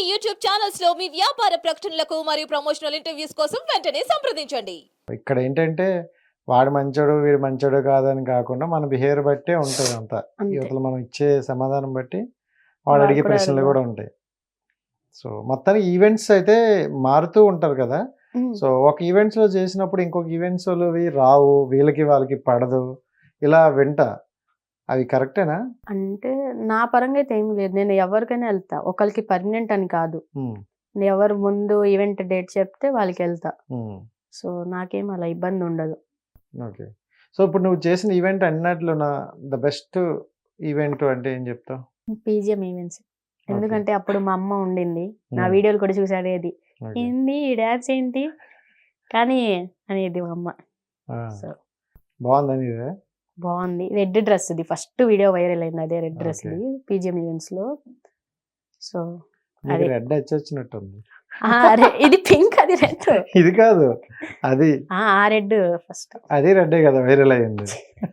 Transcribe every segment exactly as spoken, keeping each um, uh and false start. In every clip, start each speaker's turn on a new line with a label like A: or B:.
A: YouTube channels లో మీ వ్యాపార ప్రకటనలకు మరియు ప్రమోషనల్ ఇంటర్వ్యూస్ కోసం వెంటనే సంప్రదించండి.
B: ఇక్కడ ఏంటంటే వాడు మంచోడు వీడు మంచోడు కాదని కాకుండా మన బిహేవియర్ బట్టే ఉంటుంది అంతా.
C: అంతే.
B: యువతలు మనం ఇచ్చే సమాధానం బట్టి వాడు
C: వాడు
B: అడిగే
C: కూడా
B: ప్రశ్నలు
C: అడగాలి.
B: కూడా ఉంటాయి. సో మొత్తానికి ఈవెంట్స్ అయితే మారుతూ ఉంటారు కదా.
C: ఉమ్.
B: సో ఒక ఈవెంట్స్ లో చేసినప్పుడు ఇంకొక ఈవెంట్స్ వాళ్ళవి రావు, వీళ్ళకి వాళ్ళకి పడదు, ఇలా వింట అవి కరెక్టేనా?
C: అంటే నా పరంగా అయితే ఏం లేదు. నేను ఎవరికైనా వెళ్తా, ఒకరికి పర్మనెంట్ అని కాదు.
B: ఉమ్,
C: నేను ఎవరు ముందు ఈవెంట్ డేట్ చెప్తే వాళ్ళకి వెళ్తా.
B: ఉమ్,
C: సో నాకేం అలా ఇబ్బంది ఉండదు.
B: ఓకే. సో ఇప్పుడు నువ్వు చేసిన ఈవెంట్ అన్నట్లు నా ద బెస్ట్ ఈవెంట్ అంటే ఏం చెప్తావు?
C: PGM events. ఎందుకంటే అప్పుడు మా అమ్మ ఉండింది, నా
B: ఉమ్,
C: వీడియోలు కూడా చూసాడేది,
B: ఓకే.
C: ఏంది ఈ డాన్స్ ఏంటి కానీ అనేది మా అమ్మ.
B: ఆ,
C: సో
B: బాగుందని ఇదే.
C: బాగుంది. రెడ్ డ్రెస్ ఇది ఫస్ట్ వీడియో వైరల్ అయింది, అదే రెడ్ డ్రెస్
B: Okay.
C: ఇది పీజిఎం ఈవెంట్స్ లో. సో
B: నీకు
C: అది
B: రెడ్ వచ్చినట్టుంది.
C: ఆ, రె- ఇది పింక్, అది రెడ్.
B: ఇది కాదు, అది
C: ఆ రెడ్ ఫస్ట్.
B: అది రెడ్డే కదా వైరల్ అయ్యింది.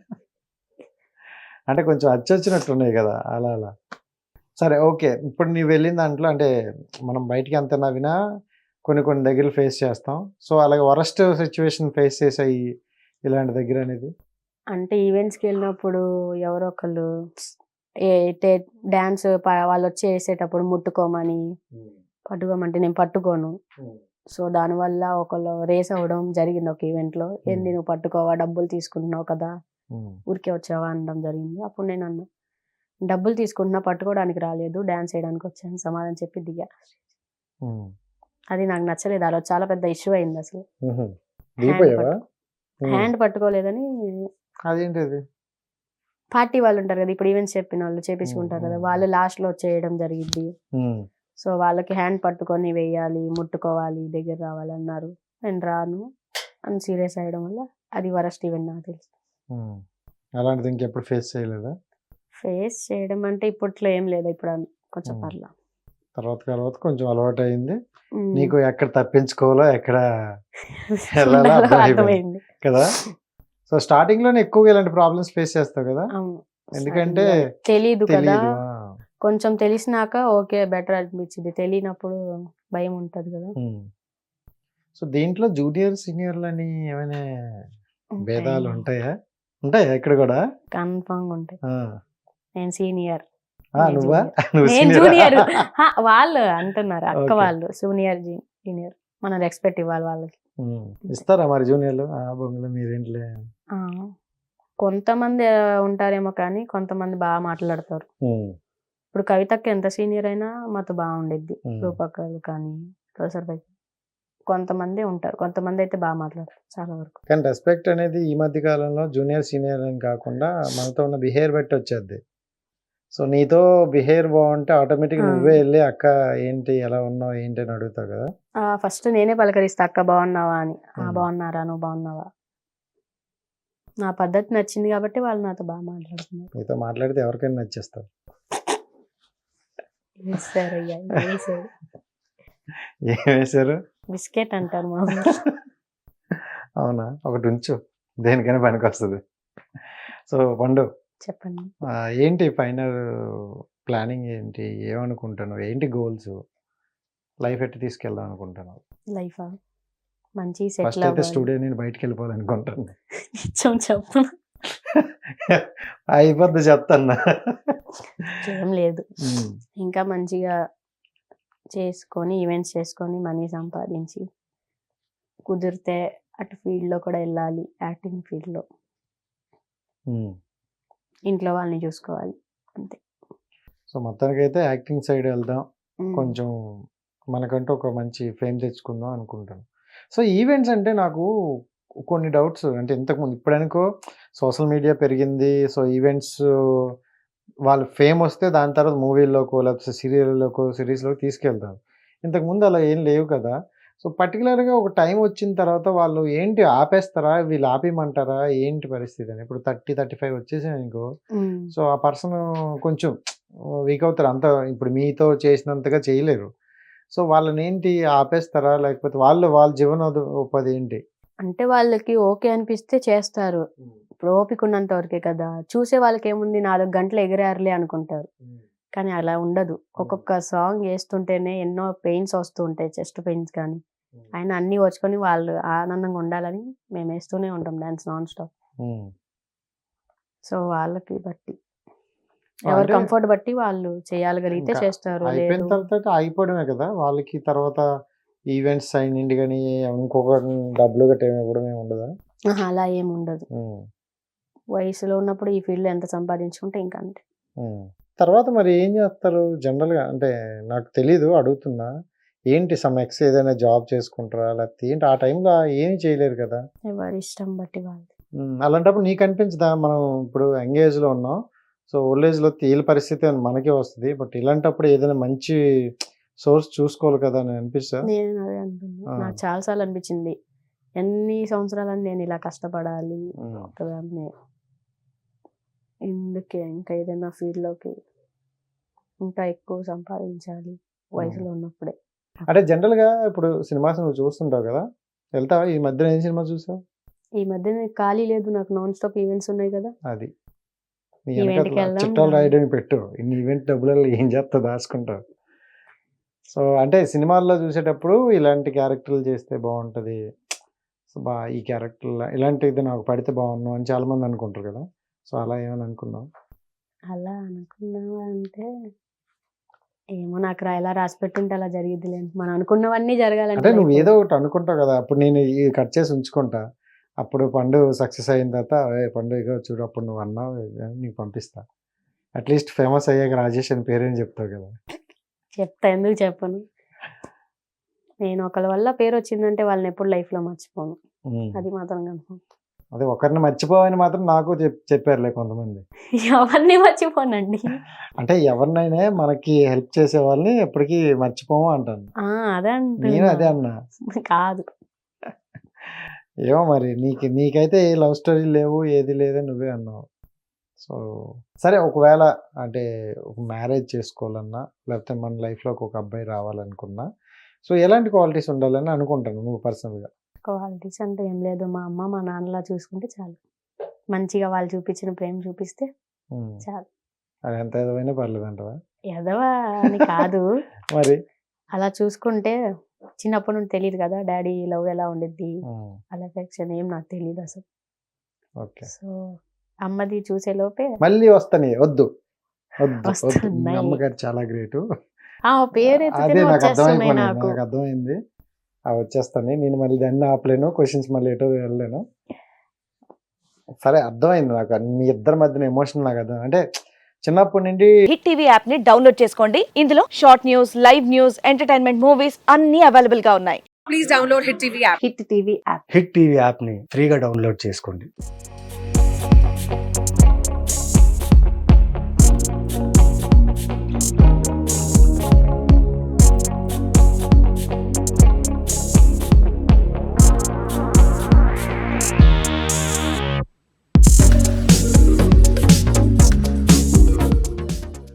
B: అంటే కొంచెం అచ్చొచ్చినట్టున్నాయి కదా అలా అలా. సరే ఓకే. ఇప్పుడు నీవు వెళ్ళిన దాంట్లో అంటే మనం బయటికి అంత నవ్వినా కొన్ని కొన్ని దగ్గరలు ఫేస్ చేస్తాం. సో అలాగే వరస్ట్ సిచ్యువేషన్ ఫేస్ చేసాయి ఇలాంటి దగ్గర అనేది.
C: అంటే ఈవెంట్స్కి వెళ్ళినప్పుడు ఎవరో ఒకళ్ళు ఏ డాన్స్ వాళ్ళు వచ్చి వేసేటప్పుడు ముట్టుకోమని, పట్టుకోమంటే నేను పట్టుకోను. సో దానివల్ల ఒకళ్ళు రేస్ అవ్వడం జరిగింది ఒక ఈవెంట్లో. ఏంది నువ్వు పట్టుకోవా, డబ్బులు తీసుకుంటున్నావు కదా,
B: ఉమ్,
C: ఊరికే వచ్చావా అనడం జరిగింది. అప్పుడు నేను అన్నా, డబ్బులు తీసుకుంటున్నా, పట్టుకోవడానికి రాలేదు, డాన్స్ చేయడానికి వచ్చాను సమాధానం చెప్పి దిగా.
B: ఉమ్,
C: అది నాకు నచ్చలేదు. అలా చాలా పెద్ద ఇష్యూ అయింది అసలు.
B: ఉహు. దిగిపోయావా? ఉమ్,
C: హ్యాండ్ పట్టుకోలేదని
B: అదేంటిది?
C: పార్టీ వాళ్ళు ఉంటారు కదా, ఇప్పుడు ఈవెంట్స్ చెప్పిన వాళ్ళు చేపించుకుంటారు కదా, వాళ్ళు లాస్ట్ లో చేయడం జరిగింది.
B: ఉమ్,
C: సో వాళ్ళకి హ్యాండ్ పట్టుకొని వేయాలి, ముట్టుకోవాలి, దగ్గర రావాలి అన్నారు. నేను రాను అని సీరియస్ అయ్యడం వల్ల అది వరస్ట్ ఈవెంట్ నాకు తెలుసు.
B: ఉమ్. అలాంటిది ఇంకెప్పుడు ఫేస్ చేయలేదా?
C: ఫేస్ చేయడం అంటే ఇప్పట్లో ఏం లేదు, ఇప్పుడు అన్- కొంచెం
B: ఉమ్.
C: పర్లా.
B: తర్వాత తర్వాత కొంచెం అలవాటు అయింది
C: ఉమ్.
B: నీకు, ఎక్కడ తప్పించుకోవాలో ఎక్కడ వెళ్ళాలో
C: ఉండాలో
B: అర్థమైపోయింది
C: అర్థమైంది.
B: కదా. సో స్టార్టింగ్ లోనే ఎక్కువగా ఇలాంటి ప్రాబ్లమ్స్ ఫేస్ చేస్తావు కదా,
C: అవును.
B: ఎందుకంటే
C: తెలీదు కదా,
B: తెలియదు.
C: కొంచెం తెలిసినాక ఓకే బెటర్ అనిపించింది, తెలియనప్పుడు భయం ఉంటది కదా.
B: సో దీంట్లో జూనియర్ సీనియర్లు అని ఏమైనా భేదాలు ఉంటాయా? ఉంటాయా ఇక్కడ కూడా?
C: కన్ఫర్మ్ ఉంటాయి.
B: ఆ.
C: నేను సీనియర్,
B: ఆ,
C: నేను
B: నువ్వా?
C: junior.
B: నువ్వు
C: నేను
B: senior
C: జూనియర్.
B: ఆ?
C: వాళ్ళు అంటున్నారు అక్క
B: Okay.
C: వాళ్ళు సీనియర్ జూనియర్, మనం రెస్పెక్ట్ ఇవ్వాలి వాళ్ళకి.
B: ఉమ్. ఇస్తారా మరి జూనియర్లు? ఆ బొంగులు మీరేంట్లే.
C: ఆ, కొంతమంది ఆ, ఉంటారేమో కానీ కొంతమంది బాగా మాట్లాడతారు.
B: ఉమ్,
C: ఇప్పుడు కవితకి ఎంత సీనియర్ అయినా మాతో బాగుండిద్ది,
B: ఉమ్.
C: రూపక్కలు కానీ ప్రొఫెసర్ పై. కొంతమంది ఉంటారు, కొంతమంది అయితే బాగా మాట్లాడతారు చాలా వరకు.
B: కానీ రెస్పెక్ట్ అనేది ఈ మధ్య కాలంలో జూనియర్ సీనియర్ అని కాకుండా మనతో ఉన్న బిహేవియర్ బట్టి వచ్చేది. సో నీతో బిహేవియర్ బాగుంటే ఆటోమేటిక్
C: ఆ.
B: నువ్వే వెళ్ళి అక్క ఏంటి ఎలా ఉన్నావు ఏంటి అని అడుగుతావు కదా.
C: ఫస్ట్ నేనే పలకరిస్తా, అక్క బాగున్నావా అని. ఆ
B: ఉమ్.
C: బాగున్నారా, నువ్వు బాగున్నావా. నా పద్ధతి నచ్చింది కాబట్టి వాళ్ళు నాతో బాగా మాట్లాడుతున్నారు.
B: నీతో మాట్లాడితే ఎవరికైనా నచ్చేస్తావు.
C: వేసారు అయ్యా, వేసారు.
B: ఏం వేశారు?
C: బిస్కెట్ అంటారు మా ఊర్లో.
B: అవునా? ఒకటి ఉంచు, దేనికైనా పనికి వస్తుంది. సో పండు,
C: చెప్పండి.
B: ఆ, ఏంటి ఫైనల్ ప్లానింగ్ ఏంటి? ఏమనుకుంటున్నావు? ఏంటి గోల్స్? లైఫ్ ఎట్టి తీసుకెళ్దాం అనుకుంటున్నావు?
C: లైఫ్ మంచి
B: ఫస్ట్
C: సెటిల్
B: అయితే
C: అవ్వాలి.
B: స్టూడియో నేను బయటకు వెళ్ళిపోవాలనుకుంటాను.
C: నిజం చెప్పను,
B: అయిపోద్ది చెప్తాను.
C: ఏం లేదు. ఇంకా మంచిగా చేసుకొని ఈవెంట్స్ చేసుకొని మనీ సంపాదించి కుదిరితే అటు ఫీల్డ్లో కూడా వెళ్ళాలి, యాక్టింగ్ ఫీల్డ్లో. ఇంట్లో వాళ్ళని చూసుకోవాలి అంతే.
B: సో మొత్తానికి అయితే యాక్టింగ్ సైడ్ వెళ్దాం,
C: ఉమ్.
B: కొంచెం మనకంటూ ఒక మంచి ఫేమ్ తెచ్చుకుందాం అనుకుంటాను. సో ఈవెంట్స్ అంటే నాకు కొన్ని డౌట్స్. అంటే ఇంతకుముందు ఇప్పుడనుకో సోషల్ మీడియా పెరిగింది, సో ఈవెంట్స్ వాళ్ళు ఫేమ్ వస్తే దాని తర్వాత మూవీల్లోకో లేకపోతే సీరియల్లోకో సిరీస్లోకి తీసుకెళ్తారు. ఇంతకుముందు అలా ఏం లేవు కదా. సో పర్టికులర్గా ఒక టైం వచ్చిన తర్వాత వాళ్ళు ఏంటి ఆపేస్తారా, వీళ్ళు ఆపేయమంటారా, ఏంటి పరిస్థితి అని? ఇప్పుడు థర్టీ థర్టీ ఫైవ్ వచ్చేసాయి అనుకో,
C: ఉమ్.
B: సో ఆ పర్సన్ కొంచెం వీక్ అవుతారు, అంత ఇప్పుడు మీతో చేసినంతగా చేయలేరు. సో వాళ్ళని ఏంటి ఆపేస్తారా, లేకపోతే వాళ్ళు వాళ్ళ జీవనోపాధి ఏంటి?
C: అంటే వాళ్ళకి ఓకే అనిపిస్తే చేస్తారు. ఇప్పుడు ఓపిక ఉన్నంత వరకే కదా, చూసే వాళ్ళకి ఏముంది నాలుగు గంటలు ఎగిరారులే అనుకుంటారు. కానీ అలా ఉండదు. ఒక్కొక్క సాంగ్ వేస్తుంటేనే ఎన్నో పెయిన్స్ వస్తూ ఉంటాయి, చెస్ట్ పెయిన్స్ కానీ. ఆయన అన్ని వచ్చుకొని వాళ్ళు ఆనందంగా ఉండాలని మేము వేస్తూనే ఉంటాం dance non stop.
B: Um.
C: So వాళ్ళకి బట్టి ఎవరు
B: అంటే
C: కంఫర్ట్ బట్టి వాళ్ళు చేయగలిగితే
B: ఇంకా
C: చేస్తారు,
B: అయిపోయిన
C: లేదు
B: తర్వాత ఆగిపోవడమే కదా వాళ్ళకి. తర్వాత ఈవెంట్స్ అయినండి కానీ ఇంకొక డబ్బులు గట్రా ఏమి ఇవ్వడం ఏమి ఉండదా?
C: ఆహా, అలా ఏమి ఉండదు.
B: ఉమ్.
C: వయసులో ఉన్నప్పుడు ఈ ఫీల్డ్ ఎంత సంపాదించుకుంటే ఇంకా అంతే.
B: ఉమ్. తర్వాత మరి ఏం చేస్తారు జనరల్గా? అంటే నాకు తెలీదు, అడుగుతున్నా. ఏంటి సమ్ ఎక్స్ ఏదైనా జాబ్ చేసుకుంటారా లేకపోతే ఏంటి? ఆ టైంలో ఏమీ చేయలేరు కదా.
C: ఎవరి ఇష్టం బట్టి వాళ్ళు.
B: ఉమ్, అలాంటప్పుడు నీకు అనిపించదా మనం ఇప్పుడు యంగ్ లో ఉన్నాం, సో ఓల్డ్ ఏజ్లో తేలి పరిస్థితి అని మనకే వస్తుంది, బట్ ఇలాంటప్పుడు ఏదైనా మంచి సోర్స్ చూసుకోవాలి కదా అని అనిపిస్తా?
C: నేను అదే అనుకున్నా, నాకు చాలా సార్లు అనిపించింది ఎన్ని సంవత్సరాలని నేను ఇలా కష్టపడాలి ఒకదాన్ని, ఎందుకే ఇంకా ఏదైనా ఫీల్డ్లోకి ఇంకా ఎక్కువ సంపాదించాలి వయసులో ఉన్నప్పుడే.
B: అంటే జనరల్గా ఇప్పుడు సినిమాస్ నువ్వు చూస్తుంటావు కదా, వెళ్తావా? ఈ మధ్యన ఏం సినిమా చూసావు?
C: ఈ మధ్య నాకు ఖాళీ లేదు, నాకు నాన్ స్టాప్ ఈవెంట్స్ ఉన్నాయి కదా.
B: అది నీ
C: ఈవెంట్కి
B: వెనకాల
C: వెళ్దాం
B: చిట్టాలు
C: రా.
B: రాయడానికి పెట్టు, ఇన్ని ఈవెంట్ డబ్బులలో ఏం చేస్తావు, దాచుకుంటావు. సో అంటే సినిమాల్లో చూసేటప్పుడు ఇలాంటి క్యారెక్టర్లు చేస్తే బాగుంటుంది, సో బా ఈ క్యారెక్టర్ ఇలాంటిది నాకు పడితే బాగున్నావు అని చాలా మంది అనుకుంటారు కదా. సో అలా ఏమని అనుకున్నావు?
C: అలా అనుకున్నావా అంటే ఏమో, నాకు రా ఎలా రాసి పెట్టింటే అలా జరిగిద్ది లేండి. మనం అనుకున్నవన్నీ జరగాలంటే
B: అంటే నువ్వు
C: life
B: ఏదో ఒకటి అనుకుంటావు కదా, అప్పుడు నేను ఈ కట్ చేసి ఉంచుకుంటా, అప్పుడు పండు సక్సెస్ అయిన తర్వాత "ఏ పండు ఇగో చూడు అప్పుడు నువ్వు అన్నావు అని నీకు పంపిస్తా." అట్లీస్ట్ ఫేమస్ అయ్యాక రాజేష్ అని పేరేం చెప్తావు కదా.
C: చెప్తా, ఎందుకు చెప్పను. నేను ఒకళ్ళ వల్ల పేరు వచ్చిందంటే వాళ్ళని ఎప్పుడు లైఫ్ లో మర్చిపోను,
B: ఉమ్.
C: అది మాత్రం కన్ఫర్మ్.
B: అదే ఒకరిని మర్చిపోవని మాత్రం నాకు చెప్ చెప్పారులే కొంతమంది.
C: ఎవరిని మర్చిపోనండి.
B: అంటే ఎవరినైనా మనకి హెల్ప్ చేసే వాళ్ళని ఎప్పటికీ మర్చిపోము అంటాను.
C: ఆ, అదే
B: నేను అదే
C: అంటున్నా.
B: అన్నా.
C: కాదు,
B: ఏమో మరి నీకు నీకైతే ఏ లవ్ స్టోరీ లేవు, ఏది లేదని నువ్వే అన్నావు. సో సరే, ఒకవేళ అంటే ఒక మ్యారేజ్ చేసుకోవాలన్నా లేకపోతే మన లైఫ్లోకి ఒక అబ్బాయి రావాలనుకున్నా, సో ఎలాంటి క్వాలిటీస్ ఉండాలని అనుకుంటాను నువ్వు పర్సనల్గా?
C: క్వాలిటీస్ అంటే ఏం లేదు, మా అమ్మ మా నాన్నలా చూసుకుంటే చాలు. మంచిగా వాళ్ళు చూపించిన ప్రేమ చూపిస్తే చాలు.
B: అది ఎంత ఏదైనా పర్లేదు అంటవా?
C: ఎదవా అని కాదు,
B: మరి
C: అలా చూసుకుంటే చిన్నప్పటి నుండి తెలియదు కదా డాడీ లవ్ ఎలా ఉండిద్ది,
B: ఉమ్,
C: అలా ఎఫెక్షన్ ఏం నాకు తెలియదు అసలు.
B: ఓకే.
C: సో అమ్మది చూసే లోపే
B: మళ్ళీ వస్తానే, వద్దు వద్దు వద్దు, మీ
C: వస్తున్నాయి.
B: అమ్మగారు చాలా గ్రేటు.
C: ఆ పేరు
B: అదే
C: ఎత్తితేనే
B: నాకు
C: వచ్చేస్తున్నాయి
B: అర్థమైపోయింది,
C: నాకు.
B: నాకు అర్థమైంది. అవి వచ్చేస్తాను, నేను మళ్ళీ దాన్ని ఆపలేను, క్వశ్చన్స్ మళ్ళీ ఎటో వెళ్ళలేను. సరే అర్థమైంది నాకు, మీ ఇద్దరి మధ్యన ఎమోషన్ నాకు అర్థం. అంటే చిన్నప్పటి నుండి
D: హిట్ టీవీ యాప్ ని డౌన్లోడ్ చేసుకోండి. ఇందులో short news, live news, entertainment movies అన్ని అవైలబుల్ గా ఉన్నాయి.
E: Please download Hit T V app.
C: Hit TV app
F: Hit TV యాప్ని ఫ్రీగా డౌన్లోడ్ చేసుకోండి.